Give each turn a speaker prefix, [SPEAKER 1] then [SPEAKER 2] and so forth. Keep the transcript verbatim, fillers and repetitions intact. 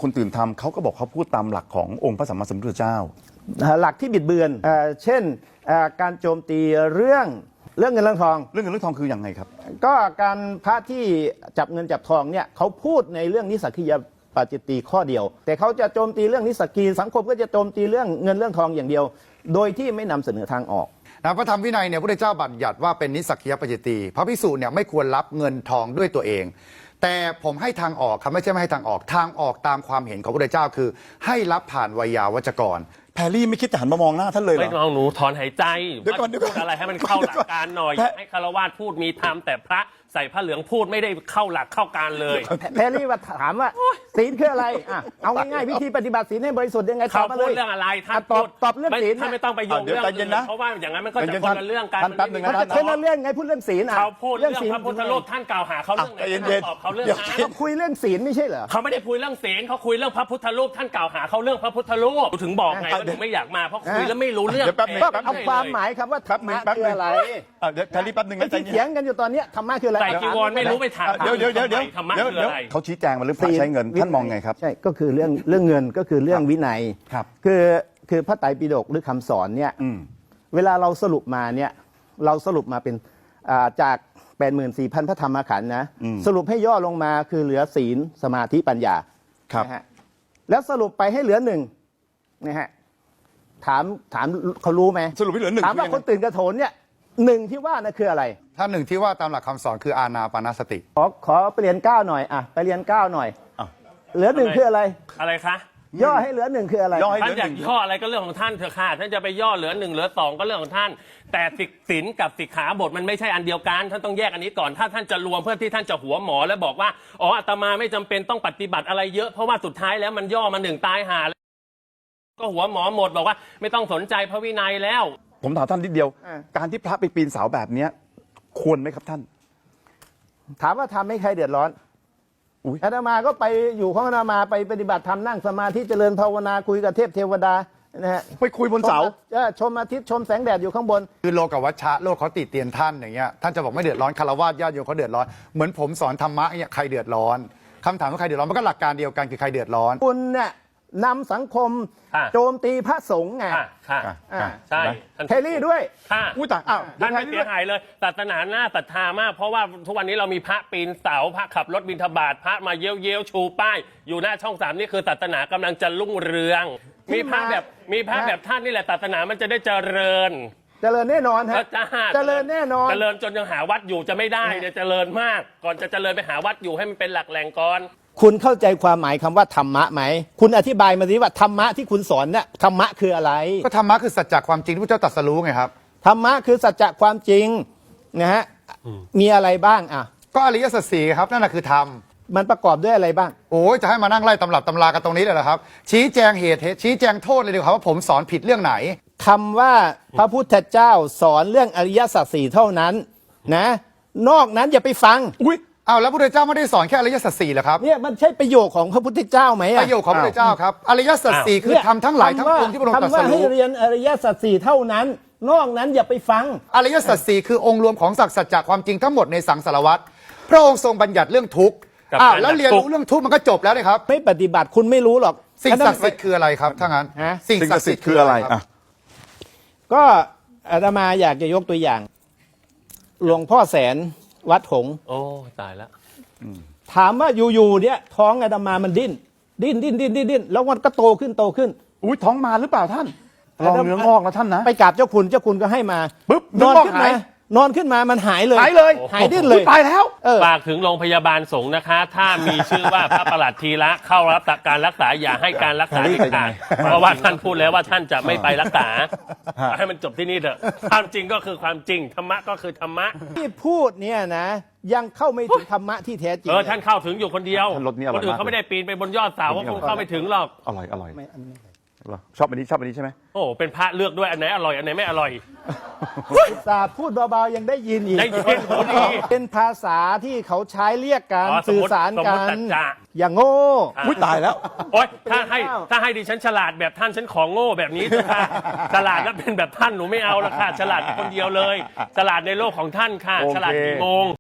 [SPEAKER 1] คนตื่นทำเขาก็บอกเขาพูดตามหลักขององค์พระสัมมาสัมพุทธเจ้า
[SPEAKER 2] หลักที่บิดเบือนเอ่อเช่นการโจมตีเรื่องเรื่องเงินเรื่องทอง
[SPEAKER 1] เรื่องเงินเรื่องทองคือยังไงครับ
[SPEAKER 2] ก็การพระที่จับเงินจับทองเนี่ยเขาพูดในเรื่องนิสสักคียปาจิตตีข้อเดียวแต่เขาจะโจมตีเรื่องนิสสักคีสังคมก็จะโจมตีเรื่องเงินเรื่องทองอย่างเดียวโดยที่ไม่นำเสนอทางออก
[SPEAKER 3] นะพระธรรมวินัยเนี่ยพระพุทธเจ้าบัญญัติว่าเป็นนิสสักคียปาจิตตีพระภิกษุเนี่ยไม่ควรรับเงินทองด้วยตัวเองแต่ผมให้ทางออกครับไม่ใช่ไม่ให้ทางออกทางออกตามความเห็นของพระพุทธเจ้าคือให้รับผ่านไวยาวัจกร
[SPEAKER 1] แพรรี่ไม่คิดจะหันมามองหน้าท่านเลยเหรอ
[SPEAKER 4] ไม่มองหนูถอนหายใจ
[SPEAKER 1] เดี๋ยวก่อนเดี๋ยวก่อน
[SPEAKER 4] พูดอะไรให้มันเข้าหลักการหน่อยให้คารวะพูดมีธรรมแต่พระใส่ผ้าเหลืองพูดไม่ได้เข้าหลักเข้าการเลย
[SPEAKER 2] แพรรี่ว่าถามว่าศีลคืออะไรอ่ะเอาง่ายๆวิธีปฏิบัติศีลให้บริสุทธิ์ยังไง
[SPEAKER 4] เขาพูดเรื่องอะไรท่าน
[SPEAKER 2] ตอบตอบเรื่องศีล
[SPEAKER 4] ท่านไม่ต้องไปโยงเรื่องอื่นเพราะว่าอย่างนั้นมันก็จะคนละเรื่องกัน
[SPEAKER 1] ท่านแป๊บนึงนะท่าน
[SPEAKER 2] คนละเรื่องไงพูดเรื่องศีล
[SPEAKER 4] เขาพูดเรื่องพระพุทธรูปท่านกล่าวหาเขาเรื่องไหนตอบเขาเรื่องนั้น
[SPEAKER 2] คุยเรื่องศีลไม่ใช่เหรอ
[SPEAKER 4] เขาไม่ได้คุยเรื่องศีลเขาคุยเรื่องพระพุทธรูปท่านกล่าวหาเขาเรื่องพระพุทธรูปถึงบอกไงว่าถึงไม่อยากมาเพราะคุยแล้วไม่รู้เรื่อง
[SPEAKER 2] เอาความหมายครับว่าธรรมะคืออะไร
[SPEAKER 1] เดี๋ยวแพรรี่แป๊บนึงนะ
[SPEAKER 2] ที่เถียงกันอยู่ตอนนี้ธรรมะคืออะไร
[SPEAKER 4] ใส่จีวรไม่รู้ไปถาม
[SPEAKER 1] เดี๋ยวเดี๋ยวเดี๋ยวเดี๋ยว
[SPEAKER 4] ธรรมะคืออะไร
[SPEAKER 1] เขาชี้แจงมาเรื่องพระใช้เงินท่านมองไงครับ
[SPEAKER 2] ใช่ก็คือเรื่องเรื่องเงินก็คือเรื่องวินัย
[SPEAKER 1] ครับ
[SPEAKER 2] คือคือพระไตรปิฎกหรือคำสอนเนี่ยเวลาเราสรุปมาเนี่ยเราสรุปมาเป็นจาก แปดหมื่นสี่พัน พระธรรมขันธ์นะสรุปให้ย่อลงมาคือเหลือศีลสมาธิปัญญานะฮะแล้วสรุปไปให้เหลือหนึ่งนะฮะถามถามเขารู้ไหม
[SPEAKER 1] สรุปให้เหลือหนึ่ง
[SPEAKER 2] ถามว่าคนตื่นกระโถนเนี่ยหนึ่งที่ว่านั่นคืออะไร
[SPEAKER 3] ถ้าหนึ่งที่ว่าตามหลักคำสอนคืออานาปานสติ
[SPEAKER 2] ขอขอไปเรียนเก้าหน่อยอ่ะไปเรียนเก้าหน่อยเหลือหนึ่งคืออะไร
[SPEAKER 4] อะไรคะ
[SPEAKER 2] ย่อให้เหลือหนึ่งคืออะไร
[SPEAKER 4] ท่านอยากย่ออะไรก็เรื่องของท่านเถอะค่ะท่านจะไปย่อเหลือหนึ่งเหลือสองก็เรื่องของท่านแต่ศีลกับสิกขาบทมันไม่ใช่อันเดียวกันท่านต้องแยกอันนี้ก่อนถ้าท่านจะรวมเพื่อที่ท่านจะหัวหมอแล้วบอกว่าอ๋ออาตมาไม่จำเป็นต้องปฏิบัติอะไรเยอะเพราะว่าสุดท้ายแล้วมันย่อมาหนึ่งตายหาก็หัวหมอหมดบอกว่าไม่ต้องสนใจพระวินัยแล้ว
[SPEAKER 1] ผมถามท่านนิดเดียวการที่พระไปปีนเสาแบบนี้ควรไหมครับท่าน
[SPEAKER 2] ถามว่าทำให้ใครเดือดร้อนอาตมาก็ไปอยู่ของอาตมาไปปฏิบัติธรรมนั่งสมาธิเจริญภาวนาคุยกับเทพเทวดานะฮะ
[SPEAKER 1] ไปคุยบนเสา
[SPEAKER 2] ชมอาทิตย์ชมแสงแดดอยู่ข้างบน
[SPEAKER 3] คือโลกวัชชะโลกเขาติเตียนท่านอย่างเงี้ยท่านจะบอกไม่เดือดร้อนคารวะญาติโยมเขาเดือดร้อนเหมือนผมสอนธรรมะเนี่ยใครเดือดร้อนคำถามว่าใครเดือดร้อนมันก็หลักการเดียวกันคือใครเดือดร้อน
[SPEAKER 2] คุณเนี่ยนำสังคมโจมตีพระสงฆ์ไง
[SPEAKER 4] ใช่
[SPEAKER 2] เทลี่ด้วย
[SPEAKER 4] ค่ะอุ้ยแต่อ้าวท่านไม่เสียหายเลยศาสนาหน้าศรัทธามากเพราะว่าทุกวันนี้เรามีพระปีนเสาพระขับรถบิณฑบาตพระมาเย้ยวเย้ยวชูป้ายอยู่หน้าช่องสามนี่คือศาสนากำลังจะรุ่งเรืองมีพระแบบมีพระแบบท่านนี่แหละศาสนามันจะได้เจริญ
[SPEAKER 2] เจริญแน่นอนฮะเจริญแน่นอน
[SPEAKER 4] เจริญจนยังหาวัดอยู่จะไม่ได้เนี่ยเจริญมากก่อนจะเจริญไปหาวัดอยู่ให้มันเป็นหลักแหล่งก่อน
[SPEAKER 2] คุณเข้าใจความหมายคำว่าธรรมะไหมคุณอธิบายมาสิว่าธรรมะที่คุณสอนเนี่ยธรรมะคืออะไร
[SPEAKER 3] ก็ธรรมะคือสัจจะความจริงที่พระเจ้าตรัสรู้ไงครับ
[SPEAKER 2] ธรรมะคือสัจจะความจริงนะฮะมีอะไรบ้างอ่ะ
[SPEAKER 3] ก็อริยสัจสี่ครับนั่นแหละคือธรรม
[SPEAKER 2] มันประกอบด้วยอะไรบ้าง
[SPEAKER 3] โอ้ยจะให้มานั่งไล่ตำรับตำรากันตรงนี้เลยเหรอครับชี้แจงเหตุชี้แจงโทษเลยดีกว่าว่าผมสอนผิดเรื่องไหน
[SPEAKER 2] คำว่าพระพุทธเจ้าสอนเรื่องอริยสัจสี่เท่านั้นนะนอกนั้นอย่าไปฟัง
[SPEAKER 3] อุ้ยอ้าวแล้วพระพุทธเจ้าไม่ได้สอนแค่อริยสัจสี่เหรอครับ
[SPEAKER 2] เนี่ยมันใช่ประโยคของพระพุทธเจ้าไหม
[SPEAKER 3] ประโยคของพระพุทธเจ้าครับอริยสัจสี่คือทำทั้งหลายทั้งปวงที่พระองค์ตรัสรู้
[SPEAKER 2] คำว่าให้เรียนอริยสัจสี่เท่านั้นนอกนั้นอย่าไปฟัง
[SPEAKER 3] อริยสัจสี่คือองค์รวมของสัจจะความจริงทั้งหมดในสังสารวัฏพระองค์ทรงบัญญัติเรื่องทุกข์อ้าวแล้วเรียนรู้เรื่องทุกข์มันก็จบแล้วเลยครับ
[SPEAKER 2] ไม่ปฏิบัติคุณไม่รู้หรอก
[SPEAKER 3] สิ่งศักดิ์สิทธิ์คืออะไรครับถ้างั้น
[SPEAKER 1] สิ่งศักดิ์สิทธิ์คืออะไรอ่ะ
[SPEAKER 2] ก็อาตมาอยากจะยกตัวอย่างหลวงพ่อแสนวัดหงส์
[SPEAKER 4] โอ้ตายแล้ว
[SPEAKER 2] ถามว่าอยู่ๆเนี่ยท้องอาตมามันดิ้นดิ้นดิ้นดิ้นดิ้นดิ้นแล้วมันก็โตขึ้นโตขึ้น
[SPEAKER 1] อุ้ยท้องมาหรือเปล่าท่านลองเนื้องอกนะท่านนะ
[SPEAKER 2] ไปกราบเจ้าคุณเจ้าคุณก็ให้มา
[SPEAKER 1] ปุ๊บ
[SPEAKER 2] นอนขึ้นมานอนขึ้นมามันหายเลย
[SPEAKER 1] หายเลย
[SPEAKER 2] หายดิ้นเลย
[SPEAKER 1] ตายแล้ว
[SPEAKER 4] ฝากถึงโรงพยาบาลสงฆ์นะคะถ้ามีชื่อว่าพระประหลัดธีระเข้ารับการรักษาอย่าให้การรักษาเด็ดขาดเพราะว่าท่านพูดแล้วว่าท่านจะไม่ไปรักษาให้มันจบที่นี่เถอะความจริงก็คือความจริงธรรมะก็คือธรรมะ
[SPEAKER 2] ที่พูดเนี่ยนะยังเข้าไม่ถึงธรรมะที่แท้จริง
[SPEAKER 4] เออท่านเข้าถึงอยู่คนเดียวคนอื่นเขาไม่ได้ปีนไปบนยอดเสาก็คงเข้าไม่ถึงหรอก
[SPEAKER 1] อร่อยอร่อยชอบอันนี้ชอบอันนี้ใช่ไหม
[SPEAKER 4] โอ้เป็นพระเลือกด้วยอันไหนอร่อยอันไหนไม่อร่อย
[SPEAKER 2] ตาพูดเบาๆยังได้ยินอีก
[SPEAKER 4] ได้ยิน
[SPEAKER 2] เป็นภาษาที่เขาใช้เรียกกันสื่อสารกันอย่างโง่
[SPEAKER 1] อุ้ยตายแล้ว
[SPEAKER 4] โอ๊ยถ้าให้ถ้าให้ดิฉันฉลาดแบบท่านฉันของโง่แบบนี้ค่ะฉลาดแล้วเป็นแบบท่านหนูไม่เอาละค่ะฉลาดคนเดียวเลยฉลาดในโลกของท่านค่ะฉลาดกี่โมง